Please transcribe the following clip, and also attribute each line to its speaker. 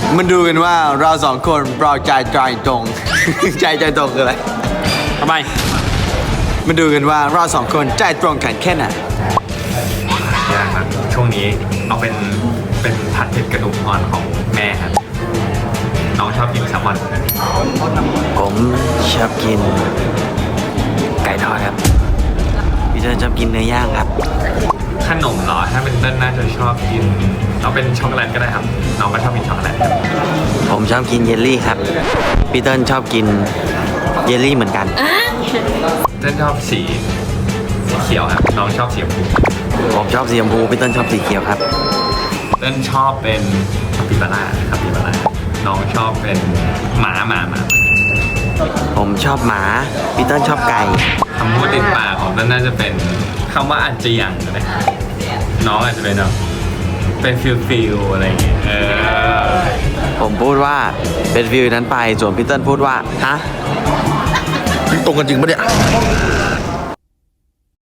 Speaker 1: มันดูกันว่าเราสองคนเราใจตรง ใจตรงคืออะไร
Speaker 2: ทำไม
Speaker 1: มาดูกันว่าเราสองคนใจตรงกันแค่ไหน
Speaker 3: ยากครับช่วงนี้เอาเป็นผัดเผ็ดกระดูกอ่อนของแม่ครับน้องชอบกินแซลมอน
Speaker 1: ผมชอบกินไก่ทอดครับพี่เติ้ลชอบกินเนื้อย่างครับ
Speaker 3: ขนมเหรอถ้าเป็นเต้นน่าจะชอบกินเอาเป็นช็อกโกแลตก็ได้ครับน้องก็ชอบกินช็อกโกแลตครับ
Speaker 1: ผมชอบกินเยลลี่ครับพี่เติ้ลชอบกินเยลลี่เหมือนกัน
Speaker 3: เต้นชอบสีเขียวครับน้องชอบสีชมพู
Speaker 1: ผมชอบสีชมพูพี่เติ้ลชอบสีเขียวครับ
Speaker 3: เต้นชอบเป็นคาปิบาร่าครับปิบาร่าน้องชอบเป็นหมา
Speaker 1: ผมชอบหมาพี่เติ้ลชอบไก่
Speaker 3: คำพูดติดปากของเต้นน่าจะเป็นคำว่าอาเจียงนะน้องอาจจะเป็นแบบเป็นฟิลอะไรอย่างเงี้ย
Speaker 1: ผมพูดว่าเป็นฟิลนั้นไปส่วนพี่เติ้ลพูดว่าฮะ
Speaker 4: ตรงกันจริงปะเนี่ย